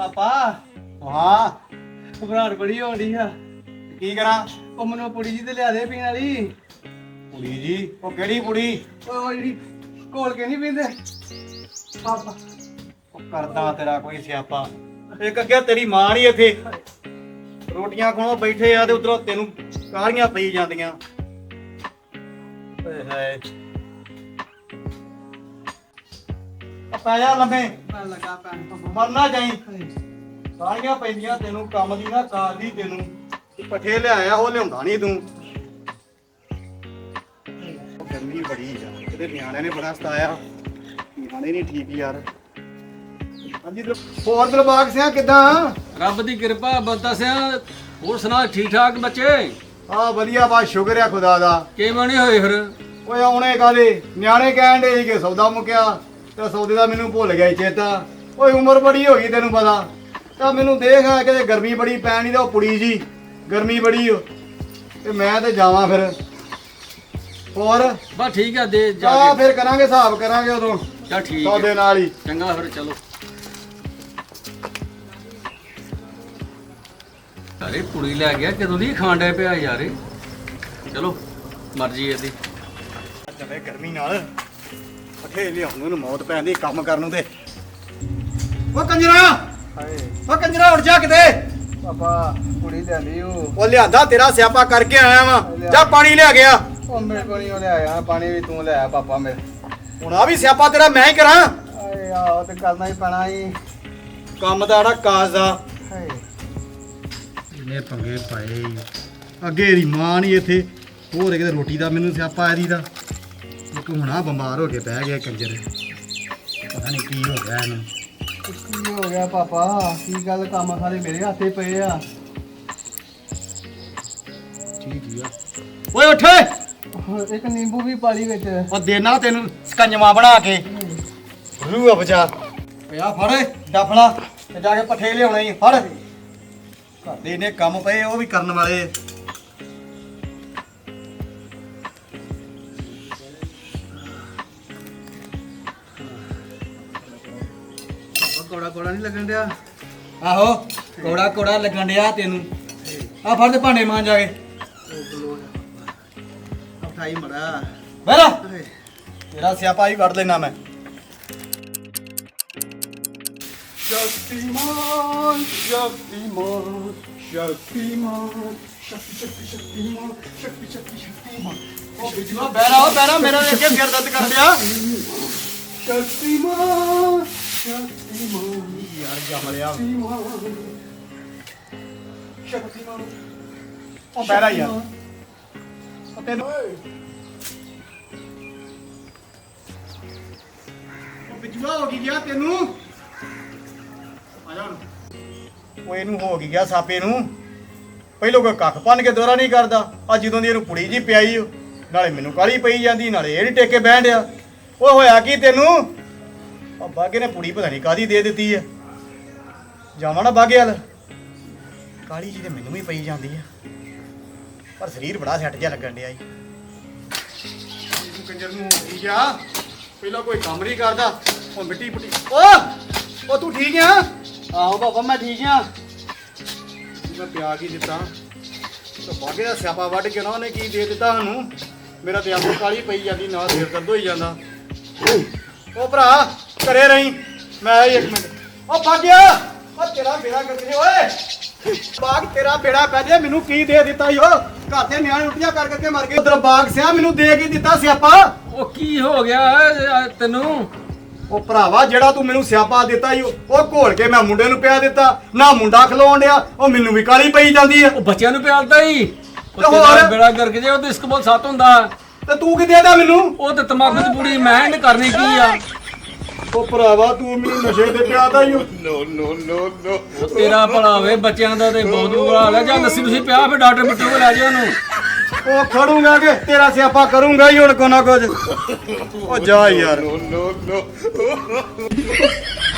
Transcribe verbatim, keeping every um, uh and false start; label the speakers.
Speaker 1: ਪਾਪਾ
Speaker 2: ਹਾਂ
Speaker 1: ਘਬਰਾਹਟ ਬੜੀ ਹੋ ਰਹੀ ਆ।
Speaker 2: ਕੀ ਕਰਾਂ?
Speaker 1: ਉਹ ਮੈਨੂੰ ਪੁੜੀ ਜੀ ਤੇ ਲਿਆ ਦੇ ਪੀਣ ਵਾਲੀ।
Speaker 2: ਕੁੜੀ ਜੀ? ਉਹ ਕਿਹੜੀ ਕੁੜੀ?
Speaker 1: ਉਹ ਜਿਹੜੀ ਘੋਲ ਕੇ ਨਹੀਂ ਪੀਂਦੇ ਪਾਪਾ।
Speaker 2: ਉਹ ਕਰਦਾ ਤੇਰਾ ਕੋਈ ਸਿਆਪਾ। ਇੱਕ ਅੱਗੇ ਤੇਰੀ ਮਾਂ ਨਹੀਂ ਇੱਥੇ, ਰੋਟੀਆਂ ਖਾਣੋਂ ਬੈਠੇ ਆ ਤੇ ਉਧਰੋਂ ਤੈਨੂੰ ਕਾਹਲੀਆਂ ਪਈ ਜਾਂਦੀਆਂ। ਓਏ ਹਾਏ ਆ ਪੈ ਜਾ ਲੰਮੇ,
Speaker 1: ਮੈਂ ਲੱਗਾ ਪੈਣ ਪਾਪਾ।
Speaker 2: ਮਰਨਾ ਜਾਈ। ਕਾਹਲੀਆਂ ਪੈਂਦੀਆਂ ਤੈਨੂੰ, ਕੰਮ ਦੀ ਨਾ ਕਾਰ ਦੀ ਤੈਨੂੰ। ਪੱਠੇ ਲਿਆਇਆ ਉਹ ਲਿਆਉਂਦਾ ਨਹੀਂ ਤੂੰ। ਉਹ ਗਰਮੀ ਬੜੀ ਆ, ਇਹਦੇ ਨਿਆਣਿਆਂ ਨੇ ਬੜਾ ਸਤਾਇਆ। ਨਿਆਣੇ ਨਹੀਂ ਠੀਕ ਯਾਰ। ਹਾਂਜੀ ਹੋਰ ਦਿਲਬਾਗ ਸਿਆ ਕਿਦਾਂ?
Speaker 3: ਰੱਬ ਦੀ ਕਿਰਪਾ ਬੰਦਾ ਸਿਆ। ਹੋਰ ਸੁਣਾ ਠੀਕ ਠਾਕ ਬੱਚੇ?
Speaker 2: ਆ ਵਧੀਆ ਬਾ, ਸ਼ੁਕਰ ਆ ਖੁਦਾ ਦਾ।
Speaker 3: ਕਿਵੇਂ ਨਹੀਂ ਹੋਏ ਫਿਰ?
Speaker 2: ਓਏ ਆਉਣੇ ਕਾਲੇ ਨਿਆਣੇ ਕਹਿਣ ਦੇ ਸੀ ਕਿ ਸੌਦਾ ਮੁੱਕਿਆ ਤੇ ਸੌਦੇ ਦਾ ਮੈਨੂੰ ਭੁੱਲ ਗਿਆ ਚੇਤਾ। ਓਏ ਉਮਰ ਬੜੀ ਹੋ ਗਈ ਤੈਨੂੰ ਪਤਾ। ਤਾਂ ਮੈਨੂੰ ਦੇਖ ਆ ਕਿ ਗਰਮੀ ਬੜੀ ਪੈਣੀ ਤੇ ਉਹ ਕੁੜੀ ਜੀ ਗਰਮੀ ਬੜੀ ਓ ਤੇ ਮੈਂ ਤੇ ਜਾਵਾਂ ਫਿਰ। ਹੋਰ
Speaker 3: ਬਸ ਠੀਕ ਆ, ਦੇ ਜਾ
Speaker 2: ਆ
Speaker 3: ਕੇ।
Speaker 2: ਫਿਰ ਕਰਾਂਗੇ ਹਿਸਾਬ ਕਰਾਂਗੇ ਉਦੋਂ
Speaker 3: ਚੱਲ ਠੀਕ
Speaker 2: ਸੌਦੇ
Speaker 3: ਹੈ,
Speaker 2: ਨਾਲ ਹੀ।
Speaker 3: ਚੰਗਾ ਫਿਰ ਚਲੋ। ਅਰੇ ਕੁੜੀ ਲੈ ਗਿਆ, ਕਦੋਂ ਦੀ ਖਾਣ ਡਿਆ ਪਿਆ ਯਾਰ ਇਹ। ਚਲੋ ਮਰਜ਼ੀ ਇਹਦੀ।
Speaker 2: ਚੱਲੇ ਗਰਮੀ ਨਾਲ ਪੱਠੇ ਲਿਆਉਣ ਨੂੰ ਮੌਤ ਪੈਂਦੀ, ਕੰਮ ਕਰਨ ਨੂੰ ਤੇ। ਓ ਕੰਜਰਾ,
Speaker 1: ਹਾਏ
Speaker 2: ਓ ਕੰਜਰਾ ਉੱਠ ਜਾ ਕਿਤੇ।
Speaker 1: ਪਾਪਾ ਕੁੜੀ ਲਿਆਂਦੀ ਉਹ।
Speaker 2: ਉਹ ਲਿਆਂਦਾ ਤੇਰਾ ਸਿਆਪਾ ਕਰਕੇ ਆਇਆ ਵਾਂ। ਜਾ ਪਾਣੀ ਲਿਆ ਗਿਆ।
Speaker 1: ਉਹ ਮੇਰੇ ਕੋਲ ਨਹੀਂ ਲਿਆਇਆ, ਪਾਣੀ ਵੀ ਤੂੰ ਲਿਆਇਆ ਪਾਪਾ ਮੇਰੇ।
Speaker 2: ਹੁਣ ਆ ਵੀ ਸਿਆਪਾ ਤੇਰਾ ਮੈਂ ਹੀ ਕਰਾਂ।
Speaker 1: ਆਏ ਆਹ ਤੇ ਕਰਨਾ ਹੀ ਪੈਣਾ ਹੀ।
Speaker 2: ਕੰਮ ਦਾ ਜਿਹੜਾ ਕਾਜ ਦਾ
Speaker 1: ਹਾਏ
Speaker 2: ਇਹਨੇ ਪੰਗੇ ਪਾਏ। ਅੱਗੇ ਇਹਦੀ ਮਾਂ ਨਹੀਂ ਇੱਥੇ, ਹੋਰ ਕਿਤੇ ਰੋਟੀ ਦਾ ਮੈਨੂੰ ਸਿਆਪਾ ਇਹਦੀ ਦਾ। ਇੱਕ ਹੁਣ ਆ ਬਿਮਾਰ ਹੋ ਕੇ ਬਹਿ ਗਿਆ ਕੰਜਰ। ਪਤਾ ਨਹੀਂ ਕੀ ਹੋ ਗਿਆ ਇਹਨੂੰ।
Speaker 1: ਕੀ ਹੋ ਗਿਆ ਪਾਪਾ? ਕੀ ਗੱਲ, ਕੰਮ ਸਾਰੇ ਮੇਰੇ ਹੱਥੇ ਪਏ ਆ।
Speaker 2: ਠੀਕ ਹੀ ਆ। ਓਏ ਉੱਠ,
Speaker 1: ਇੱਕ ਨਿੰਬੂ ਵੀ ਪਾਲੀ ਵਿੱਚ।
Speaker 2: ਉਹ ਦੇਣਾ ਤੈਨੂੰ ਸਕੰਜਵਾ ਬਣਾ ਕੇ। ਰੂ ਆ ਬਚਾ। ਓਏ ਆ ਫੜ ਡਫਲਾ ਤੇ ਜਾ ਕੇ ਪੱਠੇ ਲਿਆਉਣੇ ਹੀ। ਫੜ, ਘਰ ਦੇ ਨੇ ਕੰਮ ਪਏ ਉਹ ਵੀ ਕਰਨ ਵਾਲੇ।
Speaker 1: ਕੋੜਾ ਕੋੜਾ ਨਹੀਂ ਲੱਗਣ ਡਿਆ।
Speaker 2: ਆਹੋ ਕੋੜਾ ਕੋੜਾ ਲੱਗਣ ਡਿਆ ਤੈਨੂੰ। ਆ ਫੜ ਤੇ ਭਾਂਡੇ ਮਾਂਜ ਜਾ ਕੇ।
Speaker 1: ਉਠਾਈ ਮੜਾ।
Speaker 2: ਬਹਿਰਾ ਤੇਰਾ ਸਿਆਪਾ ਹੀ ਕੱਢ ਲੈਣਾ ਮੈਂ। ਸ਼ਕਤੀਮਾਨ ਸ਼ਕਤੀਮਾਨ ਸ਼ਕਤੀਮਾਨ ਸ਼ਕਤੀ ਸ਼ਕਤੀ ਸ਼ਕਤੀਮਾਨ ਸ਼ਕਤੀ ਸ਼ਕਤੀ ਸ਼ਕਤੀਮਾਨ। ਉਹ ਬਿਜਲਾ ਬਹਿਰਾ ਬਹਿਰਾ ਮੇਰਾ ਵੇਖ ਕੇ ਫਿਰ ਦਰਦ ਕਰ ਲਿਆ। ਸ਼ਕਤੀਮਾਨ ਸ਼ਕਤੀਮਾਨ ਯਾਰ ਜਮ ਲਿਆ। ਸ਼ਕਤੀਮਾਨ ਉਹ ਬਹਿਰਾ ਯਾਰ। ਉਹ ਤੈਨੂੰ ਉਹ ਬਿਜਲਾ ਹੋ ਗਈ ਗਿਆ ਤੈਨੂੰ। ਆ ਜਾ ਹੁਣ। ਉਹ ਇਹਨੂੰ ਹੋ ਗਈ ਗਿਆ ਸਾਪੇ ਨੂੰ। ਪਹਿਲੋਂ ਕੋਈ ਕੱਖ ਭੰਨ ਕੇ ਦੋਰਾ ਨਹੀਂ ਕਰਦਾ। ਆ ਜਦੋਂ ਦੀ ਇਹਨੂੰ ਪੁੜੀ ਜੀ ਪਿਆਈ ਓ, ਨਾਲੇ ਮੈਨੂੰ ਕਾਲੀ ਪਈ ਜਾਂਦੀ, ਨਾਲੇ ਇਹ ਨੀ ਟੇਕੇ ਬਹਿਣ ਡਿਆ। ਉਹ ਹੋਇਆ ਕੀ ਤੈਨੂੰ? ਆ ਬਾਗੇ ਨੇ ਪੁੜੀ ਪਤਾ ਨਹੀਂ ਕਾਦੀ ਦੇ ਦਿੱਤੀ ਆ। ਜਾਵਾਂ ਨਾ ਬਾਗੇ ਵੱਲ। ਕਾਲੀ ਜੀ ਤੇ ਮੈਨੂੰ ਵੀ ਪਈ ਜਾਂਦੀ ਆ, ਪਰ ਸਰੀਰ ਬੜਾ ਸੈੱਟ ਜਿਹਾ ਲੱਗਣ ਡਿਆ ਈ। ਇਹਨੂੰ ਕੰਜਰ ਨੂੰ ਹੋ ਗਈ ਗਿਆ। ਪਹਿਲਾਂ ਕੋਈ ਕੰਮ ਨਹੀਂ ਕਰਦਾ, ਉਹ ਮਿੱਟੀ ਪੁੱਟੀ। ਓ ਉਹ ਤੂੰ ਠੀਕ ਆ?
Speaker 1: ਆਹੋ ਪਾਪਾ ਮੈਂ ਠੀਕ ਆ।
Speaker 2: ਮੈਂ ਪਿਆ ਕੀ ਦਿੱਤਾ ਤੇ ਬਾਗੇ ਦਾ ਸਿਆਪਾ ਵੱਢ ਕੇ ਨਾ ਉਹਨੇ ਕੀ ਦੇ ਦਿੱਤਾ ਸਾਨੂੰ। ਮੇਰਾ ਤੇ ਆਪਣੀ ਕਾਲੀ ਪਈ ਜਾਂਦੀ, ਨਾਲ ਸਿਰ ਦਰਦ ਹੋਈ ਜਾਂਦਾ। ਉਹ ਭਰਾ ਘਰੇ ਰਹੀਂ, ਮੈਂ ਆਇਆ ਇੱਕ ਮਿੰਟ। ਉਹ ਬਾਗਿਆ ਉਹ ਤੇਰਾ ਬੇੜਾ ਕਰ ਦੇ ਓਏ। ਬਾਗ ਤੇਰਾ ਬੇੜਾ ਪੈ ਜੇ। ਮੈਨੂੰ ਕੀ ਦੇ ਦਿੱਤਾ ਈ ਉਹ? ਘਰ ਦੇ ਨਿਆਣੇ ਉਲਟੀਆਂ ਕਰ ਕਰਕੇ ਮਰ ਗਏ। ਉਧਰ ਬਾਗ ਸਿਆ ਮੈਨੂੰ ਦੇ ਕੀ ਦਿੱਤਾ ਸਿਆਪਾ?
Speaker 3: ਉਹ ਕੀ ਹੋ ਗਿਆ ਤੈਨੂੰ?
Speaker 2: ਉਹ ਭਰਾਵਾ ਜਿਹੜਾ ਤੂੰ ਮੈਨੂੰ ਸਿਆਪਾ ਦਿੱਤਾ ਈ ਉਹ ਘੋਲ ਕੇ ਮੈਂ ਮੁੰਡੇ ਨੂੰ ਪਿਆ ਦਿੱਤਾ। ਨਾ ਮੁੰਡਾ ਖਲੋਣ ਡਿਆ, ਉਹ ਮੈਨੂੰ ਵੀ ਕਾਲੀ ਪਈ ਜਾਂਦੀ ਆ।
Speaker 3: ਉਹ ਬੱਚਿਆਂ ਨੂੰ ਪਿਆਲਦਾ ਹੀ।
Speaker 2: ਤੇ ਹੋਰ?
Speaker 3: ਬੇੜਾ ਕਰਕੇ ਜੇ ਉਹ ਤੇ ਇਸਕ ਬਹੁਤ ਸੱਤ ਹੁੰਦਾ।
Speaker 2: ਤੇ ਤੂੰ ਕੀ ਦੇਦਾ ਮੈਨੂੰ?
Speaker 3: ਉਹ ਤੇ ਤਮਾਕੂ ਦੀ ਪੂੜੀ ਮੈਂ ਇਹਨੇ ਕਰਨੀ ਕੀ ਆ?
Speaker 2: ਉਹ ਭਰਾਵਾ ਤੂੰ ਮੈਨੂੰ ਨਸ਼ੇ ਤੇ ਪਿਆਦਾ ਈ। ਨੋ ਨੋ ਨੋ ਨੋ।
Speaker 3: ਉਹ ਤੇਰਾ ਭਲਾ ਵੇ, ਬੱਚਿਆਂ ਦਾ ਤੇ ਬਹੁਤ ਬੁਰਾ ਹਾਲ ਹੈ। ਜਾਂ ਲੱਸੀ ਤੁਸੀਂ ਪਿਆ ਫਿਰ ਡਾਕਟਰ ਬਿੱਟੂ ਕੋਲ ਲੈ ਜਾ ਉਹਨੂੰ।
Speaker 2: ਉਹ ਖੜੂਗਾ ਕਿ ਤੇਰਾ ਸਿਆਪਾ ਕਰੂੰਗਾ ਹੀ ਹੁਣ ਕੋ ਨਾ ਕੁਝ। ਉਹ ਜਾ ਯਾਰ। ਨੋ ਨੋ ਨੋ।